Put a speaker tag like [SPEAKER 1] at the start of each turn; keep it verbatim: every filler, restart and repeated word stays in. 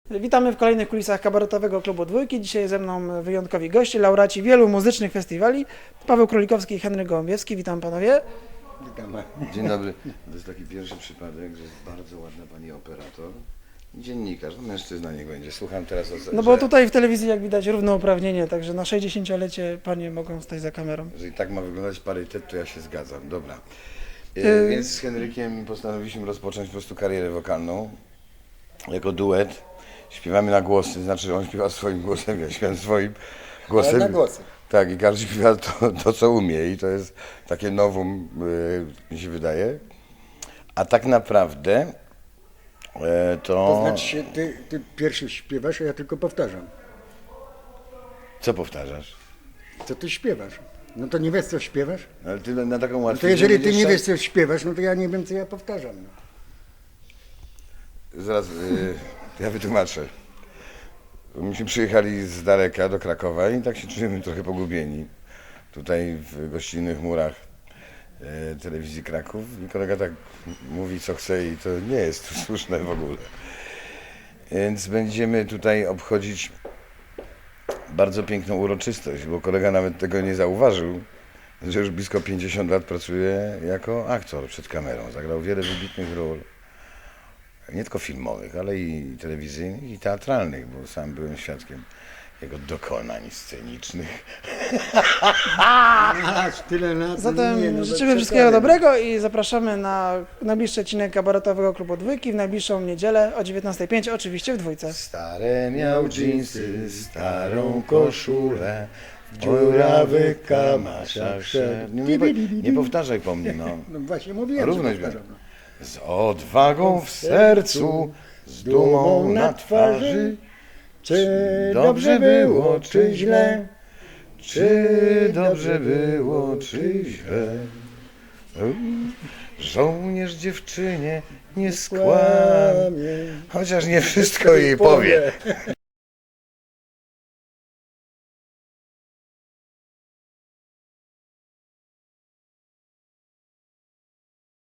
[SPEAKER 1] Witamy w kolejnych kulisach kabaretowego klubu Dwójki. Dzisiaj ze mną wyjątkowi goście, laureaci wielu muzycznych festiwali. Paweł Królikowski i Henryk Gołębiewski. Witam panowie.
[SPEAKER 2] Witamy.
[SPEAKER 3] Dzień dobry. To jest taki pierwszy przypadek, że jest bardzo ładna pani operator i dziennikarz, no mężczyzna niech będzie. Słucham teraz o
[SPEAKER 1] No bo tutaj w telewizji jak widać równouprawnienie, także na sześćdziesięciolecie panie mogą stać za kamerą.
[SPEAKER 3] Jeżeli tak ma wyglądać parytet, to ja się zgadzam. Dobra. E,
[SPEAKER 1] Yy.
[SPEAKER 3] Więc z Henrykiem postanowiliśmy rozpocząć po prostu karierę wokalną jako duet. Śpiewamy na głosy, znaczy on śpiewa swoim głosem, ja śpiewam swoim głosem.
[SPEAKER 2] Ale na głosy.
[SPEAKER 3] Tak, i każdy śpiewa to, to, co umie i to jest takie nowum, yy, mi się wydaje. A tak naprawdę e, to...
[SPEAKER 2] To znaczy się, ty, ty pierwszy śpiewasz, a ja tylko powtarzam.
[SPEAKER 3] Co powtarzasz?
[SPEAKER 2] Co ty śpiewasz? No to nie wiesz, co śpiewasz?
[SPEAKER 3] Ale ty na taką
[SPEAKER 2] No
[SPEAKER 3] łatwiznę
[SPEAKER 2] to jeżeli ty
[SPEAKER 3] będziesz
[SPEAKER 2] nie
[SPEAKER 3] szedł-
[SPEAKER 2] wiesz, co śpiewasz, no to ja nie wiem, co ja powtarzam. No.
[SPEAKER 3] Zaraz, yy, ja wytłumaczę. Myśmy przyjechali z daleka do Krakowa i tak się czujemy trochę pogubieni. Tutaj w gościnnych murach e, telewizji Kraków i kolega tak mówi, co chce i to nie jest słuszne w ogóle. Więc będziemy tutaj obchodzić bardzo piękną uroczystość, bo kolega nawet tego nie zauważył, że już blisko pięćdziesiąt lat pracuje jako aktor przed kamerą. Zagrał wiele wybitnych ról. Nie tylko filmowych, ale i telewizyjnych, i teatralnych, bo sam byłem świadkiem jego dokonań scenicznych.
[SPEAKER 2] Aż tyle lat.
[SPEAKER 1] Zatem
[SPEAKER 2] nie, no bez
[SPEAKER 1] życzymy wszystkiego
[SPEAKER 2] przesady.
[SPEAKER 1] dobrego i zapraszamy na najbliższy odcinek kabaretowego klubu Dwójki w najbliższą niedzielę o dziewiętnasta pięć, oczywiście w Dwójce.
[SPEAKER 3] Stare miał dżinsy, starą koszulę, w dziurawych kamaszach szedł. Nie, nie, nie powtarzaj po mnie, no.
[SPEAKER 2] No właśnie mówiłem,
[SPEAKER 3] Równość
[SPEAKER 2] że powtarzam.
[SPEAKER 3] będzie. Z odwagą w sercu, z dumą na twarzy,
[SPEAKER 2] Czy
[SPEAKER 3] dobrze było, czy źle? Czy dobrze było, czy źle? Żołnierz dziewczynie nie skłamie, chociaż nie wszystko jej powie.